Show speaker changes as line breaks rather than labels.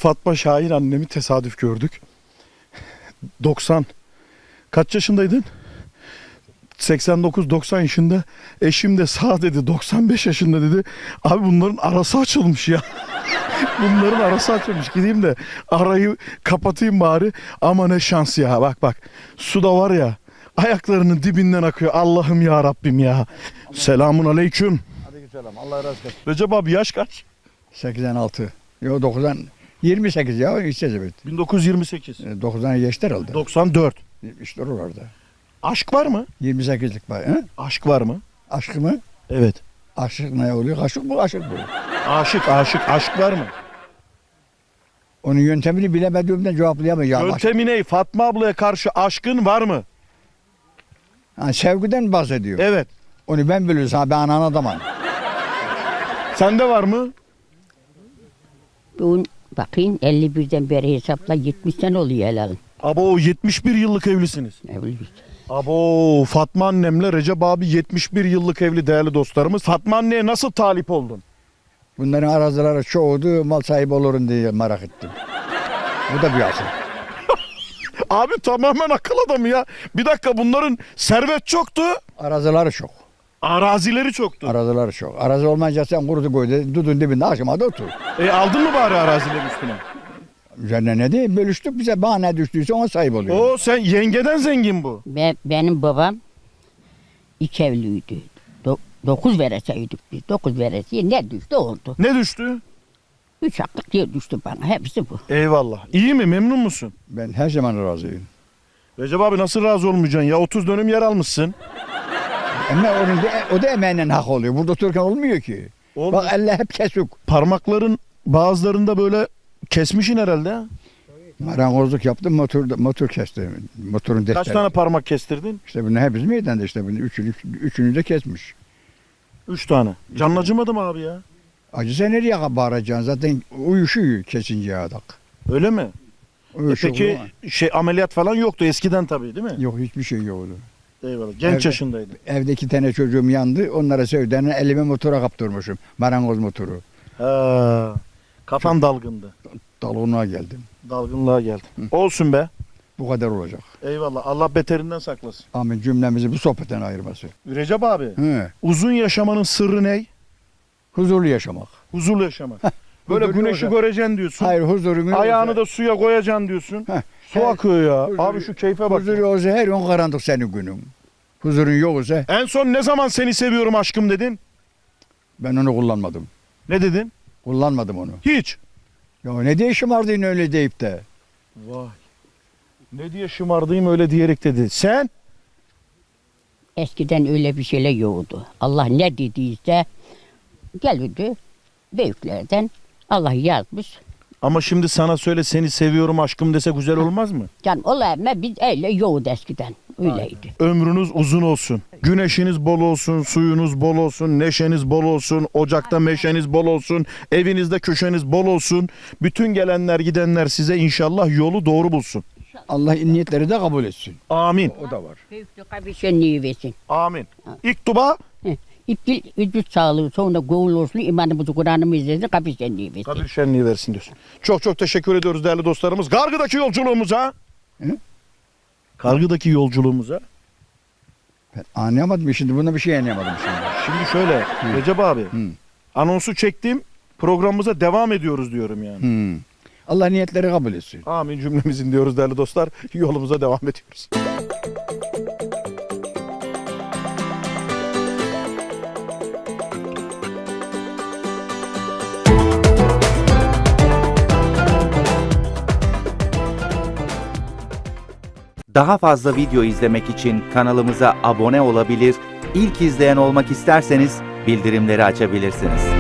Fatma Şahin annemi tesadüf gördük. 90 kaç yaşındaydın? 89-90 yaşında. Eşim de sağ dedi, 95 yaşında dedi. Abi bunların arası açılmış ya. Bunların arası açılmış. Gideyim de arayı kapatayım bari. Ama ne şans ya. Bak bak. Su da var ya. Ayaklarının dibinden akıyor. Allah'ım ya Rabbim ya. Selamun aleyküm.
Aleykümselam. Allah razı olsun.
Recep abi yaş kaç?
86. Yok 90. 28 ya. İşte evet.
1928.
90'a geçti herhalde.
94.
İşte oralarda.
Aşk var mı?
28'lik var. He?
Aşk var mı?
Aşk mı?
Evet.
Aşık ne oluyor? Aşık bu, aşık bu.
Aşık. Aşk var mı?
Onun yöntemini bilemediğimden cevaplayamayacağım.
Yöntemi ne? Fatma ablaya karşı aşkın var mı?
Ha, sevgiden bahsediyor.
Evet.
Onu ben biliyorsam ben anan adamım.
Sende var mı?
Bugün bakayım 51'den beri hesapla 70 sene oluyor helalin.
Abo 71 yıllık evlisiniz.
Evliyiz.
Abo Fatma annemle Recep abi 71 yıllık evli değerli dostlarımız. Fatma anneye nasıl talip oldun?
Bunların arazileri çoğudu, mal sahibi olurum diye merak ettim. Bu da bir asıl.
Abi tamamen akıl adamı ya. Bir dakika bunların servet çoktu.
Arazileri çok.
Arazileri çoktu.
Arazileri çok. Arazi olmayınca sen kurudu koydu, dudun dibinde aşamada otur.
Aldın mı bari arazilerin üstüne?
Üzerine ne değil, bölüştük bize bana ne düştüyse ona sahip oluyor.
Oo sen yengeden zengin bu.
Benim babam iki evliydi. 9 vereseydik biz. 9 veresiye ne düştü oldu.
Ne düştü?
3 haklık yer düştü bana. Hepsi bu.
Eyvallah. İyi mi? Memnun musun?
Ben her zaman razıyım.
Recep abi nasıl razı olmayacaksın ya? 30 dönüm yer almışsın.
Ama o da emeğinden hak oluyor. Burada otururken olmuyor ki.
Olmuyor.
Bak elle hep kesik.
Parmakların bazılarında böyle kesmişin herhalde. Ha?
Marangozluk yaptım, motor kestim. Motorun defteri.
Kaç tane parmak kestirdin?
İşte bunu hepsi meydanda işte bunu üçünü de kesmiş.
3 tane. Canın acımadı mı abi ya?
Acı sen nereye bağıracaksın? Zaten uyuşuyor kesince adak.
Öyle mi?
Uyuşuyor
Peki
ama.
ameliyat falan yoktu eskiden tabii değil mi?
Yok hiçbir şey yoktu.
Eyvallah. Genç
Evde-
yaşındaydı.
Evde 2 tane çocuğum yandı. Onlara sevdiğini elime motora kaptırmışım. Marangoz motoru.
Ha, kafan dalgındı.
Dalgınlığa geldim.
Dalgınlığa geldin. Olsun be.
Bu kadar olacak.
Eyvallah. Allah beterinden saklasın.
Amin cümlemizi bu sohbetten ayırması.
Recep abi,
He.
uzun yaşamanın sırrı ne?
Huzurlu yaşamak.
Huzurlu yaşamak. Böyle
Huzurlu
güneşi
olacak.
göreceksin diyorsun.
Hayır huzurunu
Ayağını da suya koyacaksın diyorsun.
Heh.
Su akıyor ya.
Huzuru-
Abi şu keyfe bak.
Huzur olsa her gün karanlık senin günün. Huzurun yoksa
En son ne zaman seni seviyorum aşkım dedin?
ben onu kullanmadım.
Ne dedin?
Kullanmadım onu.
Hiç.
Ya ne diye şımardın öyle deyip de.
Vay. Ne diye şımardayım öyle diyerek dedi. Sen?
Eskiden öyle bir şeyler yoktu. Allah ne dediyse gelirdi büyüklerden. Allah yazmış.
Ama şimdi sana söyle seni seviyorum aşkım dese güzel olmaz mı?
Can olayım biz öyle yoktu eskiden. Öyleydi.
Ömrünüz uzun olsun. Güneşiniz bol olsun, suyunuz bol olsun, neşeniz bol olsun, ocakta meşeniz bol olsun, evinizde köşeniz bol olsun. Bütün gelenler gidenler size inşallah yolu doğru bulsun.
Allah niyetleri de kabul etsin.
Amin.
O da var.
Büyüklük bir şenliği versin.
Amin. İlk duba
İptil vücut sağlığı sonra gavul olsun imanımızı Kur'an'ımı izlesin kabir şenliği versin.
kabir şenliği versin diyorsun. Çok çok teşekkür ediyoruz değerli dostlarımız. Kargıdaki yolculuğumuza.
Hı?
Kargıdaki yolculuğumuza.
Ben anlayamadım şimdi. Buna bir şey anlayamadım şimdi.
Şimdi şöyle Recep abi
Hı.
anonsu çektim programımıza devam ediyoruz diyorum yani.
Allah niyetleri kabul etsin.
Amin cümlemizin diyoruz değerli dostlar. Yolumuza devam ediyoruz.
Daha fazla video izlemek için kanalımıza abone olabilir, ilk izleyen olmak isterseniz bildirimleri açabilirsiniz.